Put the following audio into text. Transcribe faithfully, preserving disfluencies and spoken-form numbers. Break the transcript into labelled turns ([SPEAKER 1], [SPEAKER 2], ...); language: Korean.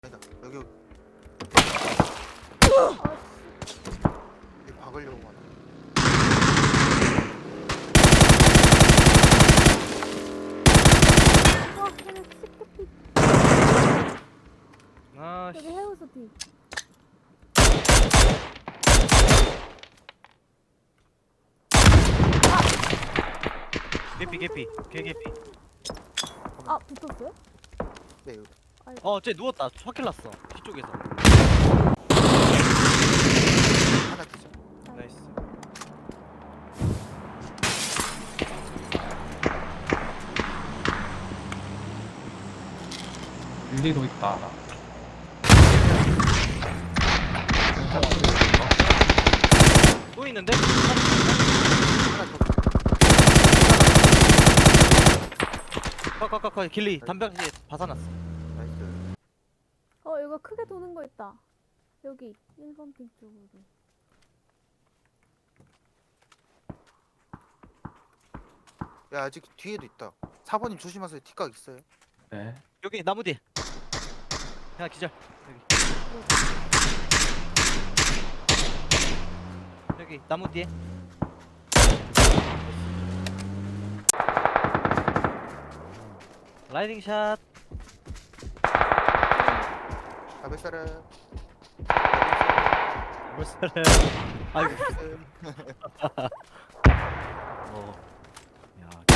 [SPEAKER 1] 아니다. 여기 여기 박으려고 하나.
[SPEAKER 2] 와, 걔네 시크피.
[SPEAKER 3] 아,
[SPEAKER 2] 여기
[SPEAKER 3] 씨.
[SPEAKER 2] 해우소 뒤.
[SPEAKER 3] 개피 개피 개 개피.
[SPEAKER 2] 아, 붙었어요?
[SPEAKER 1] 네 여기.
[SPEAKER 3] 어, 쟤 누웠다. 확킬 났어. 뒤쪽에서.
[SPEAKER 1] 하나 기자.
[SPEAKER 3] 나이스.
[SPEAKER 4] 일리도 있다.
[SPEAKER 3] 또 있는데?
[SPEAKER 1] 하나 더.
[SPEAKER 3] 컷컷컷컷 길리 담벼락에 벗어났어.
[SPEAKER 1] 나이스.
[SPEAKER 2] 어, 이거 크게 도는 거 있다. 여기 일 번 핑 쪽으로.
[SPEAKER 1] 야 아직 뒤에도 있다. 사 번님 조심하세요. 뒷각 있어요.
[SPEAKER 4] 네.
[SPEAKER 3] 여기 나무 뒤에. 야 기절. 여기. 여기 나무 뒤에. 라이딩 샷.
[SPEAKER 1] 가베사라.
[SPEAKER 3] 벌써. 아이고.
[SPEAKER 1] 나이스.
[SPEAKER 3] 어.